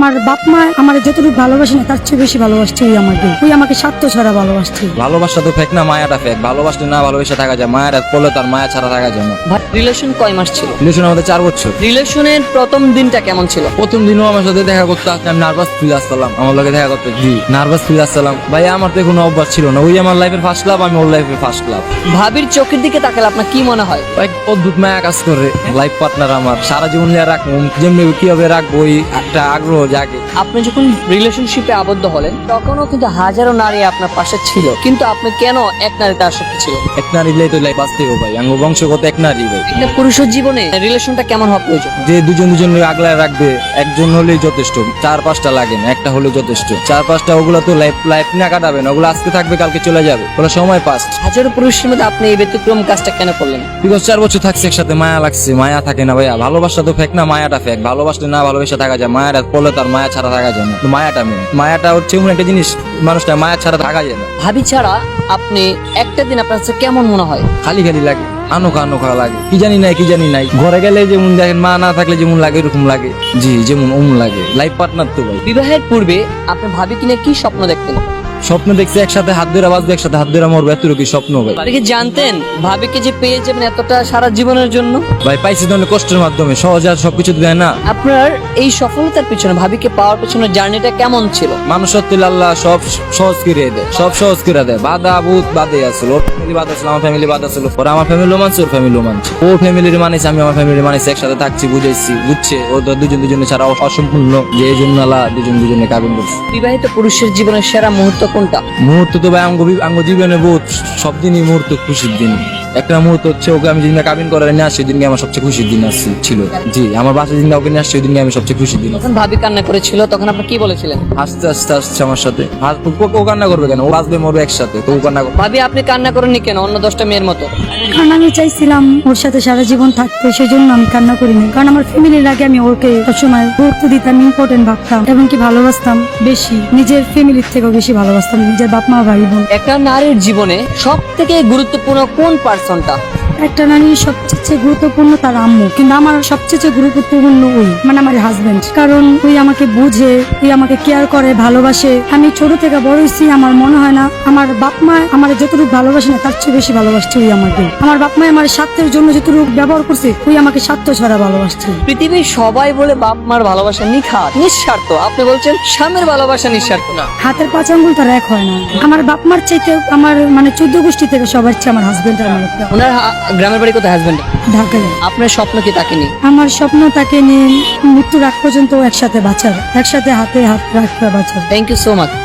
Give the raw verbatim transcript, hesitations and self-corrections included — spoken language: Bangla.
আমার বাপ মা আমার যতটুকু ভালোবাসে না তার চেয়ে বেশি ভালোবাসছে ওই আমাকে ওই আমাকে স্বার্থ ছাড়া ভালোবাসছে। ভালোবাসা তো ফেক না, মায়াটা ফেক। ভালোবাসলে না ভালোবেসে থাকা যায়, মায়াটা পড়লে তার মায়া ছাড়া থাকা যায় না। রিলেশন কয় মাস ছিল? রিলেশন আমাদের চার বছর। রিলেশনের প্রথম দিনটা কেমন ছিল? প্রথম দিনও আমার সাথে দেখা করতে আসলে আমি নার্ভাস ফিল আসছিলাম, আমার লগে দেখা করতে জি নার্ভাস ফিল আসছিলাম। ভাই আমার তো কোনো অভ্যাস ছিল না, ওই আমার লাইফের ফার্স্ট লাভ, আমি ওর লাইফের ফার্স্ট লাভ। ভাবির চোখের দিকে তাকালে আপনার কি মনে হয়? এক অদ্ভুত মায়া কাজ করে। লাইফ পার্টনার আমার সারা জীবন নিয়ে রাখবো, যেমনি কিভাবে রাখবো ওই একটা আগ্রহ জাগে। আপনি যখন রিলেশনশিপে আবদ্ধ হলেন তখনও কিন্তু হাজারো নারী আপনার পাশে ছিল, কিন্তু আপনি কেন এক নারীতে আসক্ত ছিল? এক নারী তো লাইফ বাঁচতে হবে ভাই, আঙ্গ বংশগত এক নারী ভাই। একটা পুরুষের জীবনে রিলেশনটা কেমন হওয়া প্রয়োজন? যে দুজন দুজন আগলায় রাখবে, একজন হলেই যথেষ্ট, চার পাঁচটা লাগে না, একটা হলেও যথেষ্ট। চার পাঁচটা ওগুলো তো লাইফ লাইফ না কাটাবে না, ওগুলো আজকে থাকবে কালকে চলে যাবে, ওগুলো সময় পাস। হাজারো পুরুষের মধ্যে আপনি এই ব্যতিক্রম কাজটা কেন করলেন? বিকজ চার বছর থাকছে একসাথে, মায়া লাগছে। মায়া থাকে না ভাইয়া, ভালোবাসা তো ফেক না, মায়াটা ফেক। ভালোবাসলে না ভালোবেসে থাকা যায়, মায়াটা পড়লে তার মায়া ছাড়া থাকা যায় না। মায়াটা মেয়ে, মায়াটা হচ্ছে এমন একটা জিনিস, মানুষটা মায়া ছাড়া থাকা যায় না। ভাবি ছাড়া আপনি একটা দিন আপনার কাছে কেমন মনে হয়? খালি খালি লাগে, আনোখা আনোখা লাগে, কি জানি নাই কি জানি নাই। ঘরে গেলে যেমন দেখেন, মা না থাকলে যেমন লাগে এরকম লাগে, জি যেমন অমন লাগে। লাইফ পার্টনার তো ভাই। বিবাহের পূর্বে আপনি ভাবি কিনে কি স্বপ্ন দেখতেন? স্বপ্ন দেখছি একসাথে হাত ধরে বাঁচবে, একসাথে হাত ধরে মরবে, এতটুকু স্বপ্ন ভাই। আপনি কি জানতেন ভাবিকে যে পেয়ে যাবেন এতটা সারা জীবনের জন্য? ভাই পাইছি তো অনেক কষ্টের মাধ্যমে, সহজে আর সবকিছু দেয় না। আপনার এই সফলতার পিছনে, ভাবিকে পাওয়ার পিছনে জার্নিটা কেমন ছিল? মানুষ সত্যি আল্লাহ সব সহজ করে দেয়, সব সহজ করে দেয়। বাধা বুধ বাদে আসলো, ওর ফ্যামিলি বাদ আসলো, আমার ফ্যামিলি বাদ আসলো, ওরা আমার ফ্যামিলিও মানছে, ওর ফ্যামিলিও মানছে। ও ফ্যামিলির মানেছে, আমি আমার ফ্যামিলির মানেছি, একসাথে থাকছি, বুঝাইছি, বুঝছে। ও তো দুজন দুজনে ছাড়া অসম্পূর্ণ, যে এই জন্য আল্লাহ দুজন দুজনে কাবিন করছে। বিবাহিত পুরুষের জীবনের সেরা মুহূর্ত কোনটা? মুহূর্ত তো ভাই আঙ্গ আঙ্গ জীবনে বহুত, সব দিনই মুহূর্ত খুশির দিন। একটা মুহূর্ত হচ্ছে ওকে আমি যেদিনকে কাবিন করে নিয়ে আসছি, সেদিনকে আমার সবচেয়ে খুশির দিন আসছে ছিল। জি আমার বাসায় যেদিনকে ওকে নিয়ে আসছে, ওই দিনকে আমি সবচেয়ে খুশির দিন। যখন ভাবি কান্না করেছিল তখন আপনি কি বলেছিলেন? আস্তে আস্তে আসছে আমার সাথে। আর ও- ও কান্না করবে কেন? ও বাঁচবে মরবে একসাথে, তো ও কান্না করবে। ভাবি আপনি কান্না করেননি কেন অন্য দশটা মেয়ের মতো? কারণ আমি চাইছিলাম ওর সাথে সারা জীবন থাকতে, সেই জন্য আমি কান্না করিনি। কারণ আমার ফ্যামিলির আগে আমি ওকে সবসময় গুরুত্ব দিতাম, ইম্পর্টেন্ট ভাবতাম, এবং কি ভালোবাসতাম বেশি, নিজের ফ্যামিলির থেকেও বেশি ভালোবাসতাম নিজের বাপ মা ভাই বোন। একটা নারীর জীবনে সব থেকে গুরুত্বপূর্ণ কোন পার্সনটা? একটা নারীর সবচেয়ে গুরুত্বপূর্ণ তার আম্মু, কিন্তু আমার সবচেয়ে গুরুত্বপূর্ণ ওই মানে আমার হাজবেন্ড। কারণ ওই আমাকে বুঝে, ওই আমাকে কেয়ার করে, ভালোবাসে। আমি ছোট থেকে বড় হয়েছি, আমার মনে হয় না আমার বাপ মা আমার যতটুকু ভালোবাসে না তার চেয়ে বেশি ভালোবাসছে ওই আমাকে। আমার বাপ মা আমার স্বার্থের জন্য যতটুকু ব্যবহার করছে, ওই আমাকে স্বার্থ ছাড়া ভালোবাসছে। পৃথিবীর সবাই বলে বাপ মার ভালোবাসা নিখাত, নিঃস্বার্থ। আপনি বলছেন স্বামীর ভালোবাসা নিঃস্বার্থ না? হাতের পাঁচ আঙ্গুল তার এক হয় না। আমার বাপ মার চাইতে আমার মানে চোদ্দ গোষ্ঠী থেকে সবার চেয়ে আমার হাজবেন্ড আর আমার একটা। ওনার হা- গ্রামের বাড়ি কোথায় হাজবেন্ড? ঢাকায়। আপনার স্বপ্ন কি তাকে নিয়ে? আমার স্বপ্ন তাকে নিয়ে মৃত্যুর আগ পর্যন্ত একসাথে বাঁচার, একসাথে হাতে হাত রাখতে বাঁচার। Thank you so much.